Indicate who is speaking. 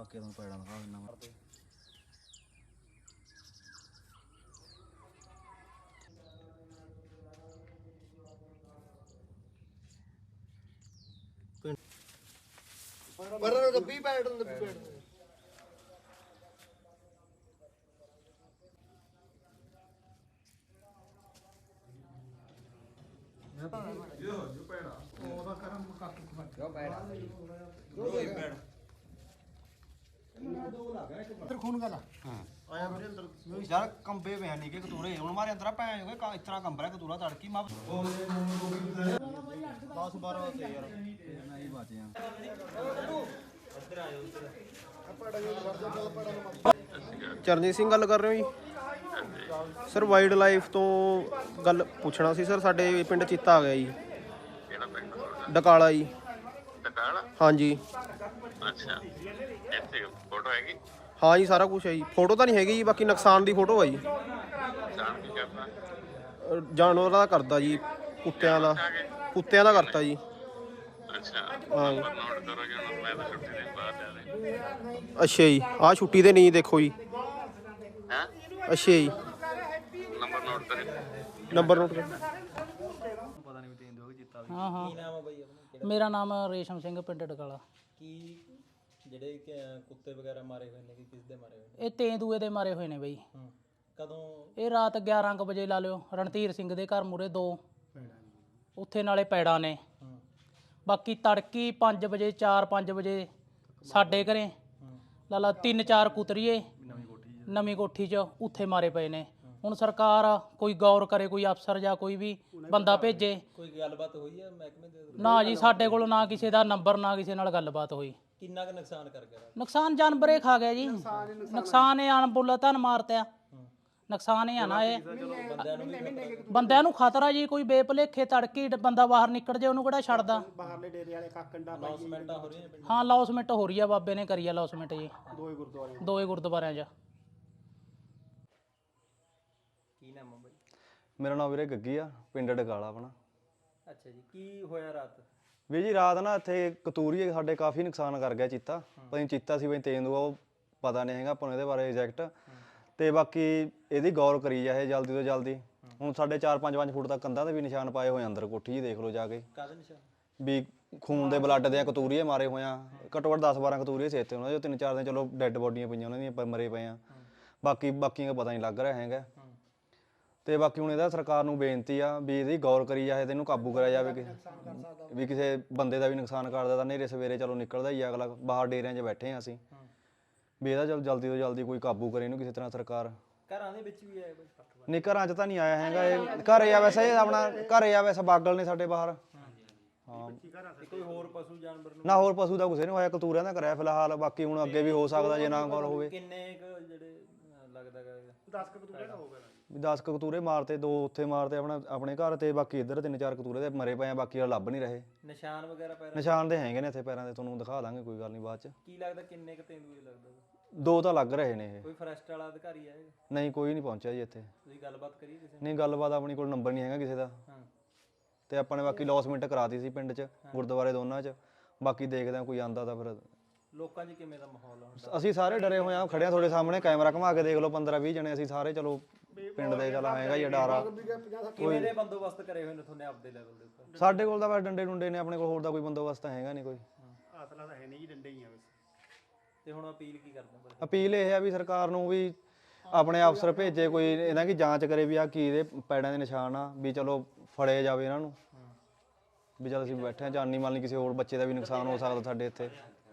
Speaker 1: ਕੇ ਤੁਹਾਨੂੰ ਪੈੜਾਂ ਦਿਖਾ ਦਿੰਦਾ ਮੈਂ।
Speaker 2: ਪਰ ਦੱਬੀ ਪੈੜ ਨੂੰ ਦੱਬੀ ਪੈੜ ਜੋ ਪੈੜਾ ਉਹਦਾ ਕਰਮ ਕਾਕੂ ਖਵਾ ਜੋ ਪੈੜਾ ਅੰਦਰ ਖੂਨ ਗਲਾ ਹਾਂ ਆਇਆ ਮੇਰੇ ਅੰਦਰ
Speaker 1: ਯਾਰ ਕੰਬੇ ਪਿਆ ਨਹੀਂ ਕਿ ਕਤੂਰੇ ਹੁਣ ਮਾਰੇ ਅੰਦਰ ਭੈਣ ਜੋ ਇਸ ਤਰ੍ਹਾਂ ਕੰਬ ਰਿਹਾ ਕਤੂਰਾ ਤੜਕੀ ਮੈਂ 10 12 ਤੇ ਯਾਰ ਮੈਂ ਹੀ ਬਚਿਆ
Speaker 3: ਚਰਨਜੀਤ ਸਿੰਘ ਗੱਲ ਕਰ ਰਹੇ ਹੋ ਜੀ ਸਰ ਵਾਈਲਡ ਲਾਈਫ ਤੋਂ ਗੱਲ ਪੁੱਛਣਾ ਸੀ ਸਰ ਸਾਡੇ ਪਿੰਡ ਚੀਤਾ ਆ ਗਿਆ ਜੀ
Speaker 4: ਕਿਹੜਾ ਪਿੰਡ
Speaker 3: ਡਕਾਲਾ ਜੀ
Speaker 4: ਟਕਾਲਾ
Speaker 3: ਹਾਂਜੀ
Speaker 4: ਅੱਛਾ ਇੱਥੇ ਫੋਟੋ ਹੈਗੀ
Speaker 3: ਹਾਂ ਜੀ ਸਾਰਾ ਕੁਝ ਹੈ ਜੀ ਫੋਟੋ ਤਾਂ ਨਹੀਂ ਹੈਗੀ ਜੀ ਬਾਕੀ ਨੁਕਸਾਨ ਦੀ ਫੋਟੋ ਹੈ ਜੀ
Speaker 4: ਜਾਣ ਕੀ ਕਰਨਾ
Speaker 3: ਜਾਨਵਰਾਂ ਦਾ ਕਰਦਾ ਜੀ ਕੁੱਤਿਆਂ ਦਾ ਕਰਤਾ ਜੀ
Speaker 4: ਅੱਛਾ
Speaker 3: ਹਾਂ
Speaker 4: ਨੋਟ ਕਰੋ ਜੀ ਹੁਣ ਮੈਂ ਤਾਂ ਛੁੱਟੀ ਦੇ ਬਾਅਦ ਆ ਰਹੇ
Speaker 3: ਅੱਛਾ ਜੀ ਆਹ ਛੁੱਟੀ ਤੇ ਨਹੀਂ ਦੇਖੋ ਜੀ
Speaker 4: ਹਾਂ
Speaker 3: ਅੱਛਾ ਜੀ
Speaker 4: ਨੰਬਰ ਨੋਟ ਕਰੇ
Speaker 3: ਨੰਬਰ ਨੋਟ ਕਰ
Speaker 5: ਹਾਂ ਹਾਂ ਮੇਰਾ ਨਾਮ ਰੇਸ਼ਮ ਸਿੰਘ ਪਿੰਡ ਡਕਾਲਾ।
Speaker 6: ਕੀ ਜਿਹੜੇ ਕੁੱਤੇ ਵਗੈਰਾ ਮਾਰੇ ਹੋਏ ਨੇ ਕਿਸ ਦੇ ਮਾਰੇ ਹੋਏ ਨੇ?
Speaker 5: ਇਹ ਤੇਂਦੂਏ ਦੇ ਮਾਰੇ ਹੋਏ ਨੇ ਬਈ।
Speaker 6: ਕਦੋਂ?
Speaker 5: ਇਹ ਰਾਤ 11 ਕੁ ਵਜੇ ਲਾ ਲਿਓ ਰਣਧੀਰ ਸਿੰਘ ਦੇ ਘਰ ਮੂਰੇ 2 ਉੱਥੇ ਨਾਲੇ ਪੈੜਾਂ ਨੇ। ਬਾਕੀ ਤੜਕੀ 5 ਵਜੇ 4-5 ਵਜੇ ਸਾਡੇ ਘਰੇ ਲਾਲਾ 3-4 ਕੁਤਰੀਏ ਨਵੀਂ ਕੋਠੀ 'ਚ ਉੱਥੇ ਮਾਰੇ ਪਏ ਨੇ। ਹੁਣ ਸਰਕਾਰ ਕੋਈ ਗੌਰ ਕਰੇ ਕੋਈ ਅਫਸਰ ਜਾਂ ਕੋਈ ਵੀ ਬੰਦਾ ਭੇਜੇ।
Speaker 6: ਕੋਈ ਗੱਲਬਾਤ ਹੋਈ ਹੈ ਮਹਿਕਮੇ ਦੇ?
Speaker 5: ਨਾ ਜੀ ਸਾਡੇ ਕੋਲ ਨਾ ਕਿਸੇ ਦਾ ਨੰਬਰ ਨਾ ਕਿਸੇ ਨਾਲ ਗੱਲਬਾਤ ਹੋਈ।
Speaker 6: ਕਿੰਨਾ ਕੁ ਨੁਕਸਾਨ ਕਰ ਗਿਆ?
Speaker 5: ਨੁਕਸਾਨ ਜਾਨਵਰੇ ਖਾ ਗਿਆ ਜੀ ਨੁਕਸਾਨ ਇਹ ਅਣਬੁੱਲਾ ਧਨ ਮਾਰਤਿਆ ਨੁਕਸਾਨ ਇਹ ਆ ਨਾ ਇਹ ਬੰਦਿਆਂ ਨੂੰ ਖਤਰਾ ਜੀ ਕੋਈ ਬੇਭਲੇਖੇ ਤੜਕੀ ਬੰਦਾ ਬਾਹਰ ਨਿਕਲ ਜੇ ਉਹਨੂੰ ਕਿਹੜਾ ਛੱਡਦਾ।
Speaker 2: ਬਾਹਰਲੇ ਡੇਰੇ ਵਾਲੇ ਕਾਕੰਡਾ
Speaker 6: ਅਨਾਉਂਸਮੈਂਟਾਂ ਹੋ ਰਹੀਆਂ ਪਿੰਡ?
Speaker 5: ਹਾਂ ਲੌਸਮੈਂਟ ਹੋ ਰਹੀ ਆ ਬਾਬੇ ਨੇ ਕਰੀ ਆ ਲੌਸਮੈਂਟ ਜੀ ਦੋਏ ਗੁਰਦੁਆਰਿਆਂ 'ਚ।
Speaker 6: ਕੀ ਨਾਮ ਹੈ ਬਾਈ?
Speaker 1: ਮੇਰਾ ਨਾਮ ਵੀਰੇ ਗੱਗੀ ਆ ਪਿੰਡ ਡਕਾਲਾ ਆਪਣਾ।
Speaker 6: ਅੱਛਾ ਜੀ ਕੀ ਹੋਇਆ ਰਾਤ?
Speaker 1: ਵੀ ਜੀ ਰਾਤ ਨਾ ਇੱਥੇ ਕਤੂਰੀਏ ਸਾਡੇ ਕਾਫੀ ਨੁਕਸਾਨ ਕਰ ਗਿਆ ਚੀਤਾ ਪਤਾ ਨਹੀਂ ਚੀਤਾ ਸੀ ਬਈ ਤੇਂਦੂਆ ਉਹ ਪਤਾ ਨਹੀਂ ਹੈਗਾ ਆਪਾਂ ਨੂੰ ਇਹਦੇ ਬਾਰੇ ਐਗਜ਼ੈਕਟ ਤੇ ਬਾਕੀ ਇਹਦੀ ਗੌਰ ਕਰੀ ਜਾਏ ਜਲਦੀ ਤੋਂ ਜਲਦੀ। ਹੁਣ ਸਾਡੇ 4-5 ਫੁੱਟ ਤੱਕ ਕੰਧਾਂ ਤੇ ਵੀ ਨਿਸ਼ਾਨ ਪਾਏ ਹੋਏ ਅੰਦਰ ਕੋਠੀ ਜੀ ਦੇਖ ਲਓ ਜਾ ਕੇ
Speaker 6: ਕਾਹਦੇ ਨਿਸ਼ਾਨ?
Speaker 1: ਵੀ ਖੂਨ ਦੇ ਬਲੱਡ ਦੇ ਕਤੂਰੀਏ ਮਾਰੇ ਹੋਏ ਆ ਘੱਟੋ ਘੱਟ 10-12 ਕਤੂਰੀਏ ਸੀ ਇੱਥੇ ਉਹਨਾਂ ਦੇ 3-4 ਦਿਨ ਚਲੋ ਡੈੱਡ ਬੋਡੀਆਂ ਪਈਆਂ ਉਹਨਾਂ ਦੀਆਂ ਮਰੇ ਪਏ ਆ ਬਾਕੀਆਂ ਦਾ ਪਤਾ ਨਹੀਂ ਲੱਗ ਰਿਹਾ ਹੈਗਾ। ਤੇ ਬਾਕੀ ਹੁਣ ਇਹਦਾ ਸਰਕਾਰ ਨੂੰ ਬੇਨਤੀ ਆ ਵੀ ਇਹਦੀ ਗੌਰ ਕਰੀ ਜਾਏ ਤੇ ਇਹਨੂੰ ਕਾਬੂ ਕਰਿਆ ਜਾਵੇ ਵੀ ਕਿਸੇ ਬੰਦੇ ਦਾ ਵੀ ਨੁਕਸਾਨ ਕਰਦਾ ਤਾਂ ਨੇਰੇ ਸਵੇਰੇ ਚਲੋ ਨਿਕਲਦਾ ਹੀ ਅਗਲਾ ਬਾਹਰ ਡੇਰਿਆਂ 'ਚ ਬੈਠੇ ਆ ਅਸੀਂ ਵੀ ਇਹਦਾ ਚਲੋ ਜਲਦੀ ਤੋਂ ਜਲਦੀ ਕੋਈ ਕਾਬੂ ਕਰੇ ਇਹਨੂੰ ਕਿਸੇ ਤਰ੍ਹਾਂ ਸਰਕਾਰ।
Speaker 6: ਘਰਾਂ ਦੇ ਵਿੱਚ ਵੀ ਆਏ ਬਾਈ?
Speaker 1: ਨਹੀਂ ਘਰਾਂ 'ਚ ਤਾਂ ਨਹੀਂ ਆਇਆ ਹੈਗਾ ਇਹ ਘਰੇ ਆ ਵੈਸੇ ਇਹ ਆਪਣਾ ਘਰੇ ਆ ਵੈਸੇ ਬਾਗਲ ਨੇ ਸਾਡੇ ਬਾਹਰ। ਹਾਂ
Speaker 6: ਕੋਈ ਹੋਰ ਪਸ਼ੂ ਜਾਨਵਰ ਨੂੰ?
Speaker 1: ਨਾ ਹੋਰ ਪਸ਼ੂ ਦਾ ਕਿਸੇ ਨੂੰ ਹੋਇਆ ਕਤੂਰਿਆਂ ਦਾ ਕਰਿਆ ਫਿਲਹਾਲ ਬਾਕੀ ਹੁਣ ਅੱਗੇ ਵੀ ਹੋ ਸਕਦਾ ਜੇ ਨਾ ਗੌਰ ਹੋਵੇ।
Speaker 6: ਕਿੰਨੇ ਕੁ ਜਿਹੜੇ ਲੱਗਦਾ ਗਾ
Speaker 2: 10 ਕਤੂਰੇ ਦਾ ਹੋ ਗਿਆ
Speaker 1: 10 ਕਤੂਰੇ ਮਾਰਤੇ 2 ਉੱਥੇ ਮਾਰਤੇ ਆਪਣੇ ਘਰ ਤੇ ਬਾਕੀ ਇੱਧਰ 3-4 ਕਤੂਰੇ ਦੇ ਮਰੇ ਪਏ ਆ ਬਾਕੀ ਲੱਭ ਨਹੀਂ ਰਹੇ।
Speaker 6: ਨਿਸ਼ਾਨ ਵਗੈਰਾ ਪੈਰਾਂ?
Speaker 1: ਨਿਸ਼ਾਨ ਦੇ ਹੈਗੇ ਨੇ ਇੱਥੇ ਪੈਰਾਂ ਦੇ ਤੁਹਾਨੂੰ ਦਿਖਾ ਦਾਂਗੇ ਕੋਈ ਗੱਲ ਨਹੀਂ ਬਾਅਦ 'ਚ।
Speaker 6: ਕੀ ਲੱਗਦਾ ਕਿੰਨੇ ਕੁ ਤੇਂਦੂਏ ਲੱਗਦਾ?
Speaker 1: 2 ਤਾਂ ਲੱਗ ਰਹੇ ਨੇ ਇਹ।
Speaker 6: ਕੋਈ ਫੋਰੈਸਟ ਵਾਲਾ ਅਧਿਕਾਰੀ ਆਏ?
Speaker 1: ਨਹੀਂ ਕੋਈ ਨਹੀਂ ਪਹੁੰਚਿਆ ਜੀ ਇੱਥੇ।
Speaker 6: ਤੁਸੀਂ ਗੱਲਬਾਤ ਕਰੀ ਕਿਸੇ
Speaker 1: ਨਹੀਂ ਗੱਲਬਾਤ ਆਪਣੀ ਕੋਲ ਨੰਬਰ ਨਹੀਂ ਹੈਗਾ ਕਿਸੇ ਦਾ ਤੇ ਆਪਾਂ ਨੇ ਬਾਕੀ ਲੌਸਮੈਂਟ ਕਰਾਤੀ ਸੀ ਪਿੰਡ 'ਚ ਗੁਰਦੁਆਰੇ ਦੋਨਾਂ 'ਚ ਬਾਕੀ ਦੇਖਦੇ ਆ ਕੋਈ ਆਂਦਾ ਤਾਂ ਫਿਰ।
Speaker 6: ਲੋਕਾਂ 'ਚ ਕਿਵੇਂ ਦਾ ਮਾਹੌਲ ਆ?
Speaker 1: ਅਸੀਂ ਸਾਰੇ ਡਰੇ ਹੋਏ ਆ ਖੜਿਆ ਤੁਹਾਡੇ ਸਾਹਮਣੇ ਕੈਮਰਾ ਘੁਮਾ ਕੇ ਦੇਖ ਲਓ 15-20 ਜਣੇ ਅਸੀਂ ਸਾਰੇ ਚਲੋ ਪਿੰਡ ਦੇ ਚੱਲ ਹੈਗਾ ਹੀ ਡਾਰਾ।
Speaker 6: ਕਿਵੇਂ ਦੇ ਬੰਦੋਬਸਤ ਕਰੇ ਹੋਏ ਨੇ ਤੁਹਾਨੇ ਆਪਦੇ ਲੈਵਲ ਦੇ ਉੱਪਰ?
Speaker 1: ਸਾਡੇ ਕੋਲ ਤਾਂ ਬਸ ਡੰਡੇ ਡੁੰਡੇ ਨੇ ਆਪਣੇ ਕੋਲ ਹੋਰ ਦਾ ਕੋਈ ਬੰਦੋਬਸਤ ਤਾਂ ਹੈਗਾ ਨਹੀਂ ਕੋਈ।
Speaker 2: ਆਸਲਾ ਤਾਂ ਹੈ ਨਹੀਂ ਜੀ ਡੰਡੇ ਹੀ ਆ ਬਸ।
Speaker 6: ਤੇ ਹੁਣ ਅਪੀਲ ਕੀ ਕਰਦੇ ਹੋ?
Speaker 1: ਅਪੀਲ ਇਹ ਆ ਵੀ ਸਰਕਾਰ ਨੂੰ ਵੀ ਆਪਣੇ ਅਫਸਰ ਭੇਜੇ ਕੋਈ ਇਹਨਾਂ ਦੀ ਜਾਂਚ ਕਰੇ ਵੀ ਆ ਕੀ ਇਹਦੇ ਪੈੜਾਂ ਦੇ ਨਿਸ਼ਾਨ ਆ ਵੀ ਚਲੋ ਫੜੇ ਜਾਵੇ ਇਹਨਾਂ ਨੂੰ ਵੀ ਜਦ ਅਸੀਂ ਬੈਠੇ ਆ ਜਾਨੀ ਮਾਲ ਨਹੀਂ ਕਿਸੇ ਹੋਰ ਬੱਚੇ ਦਾ ਵੀ ਨੁਕਸਾਨ ਹੋ ਸਕਦਾ ਸਾਡੇ ਇੱਥੇ।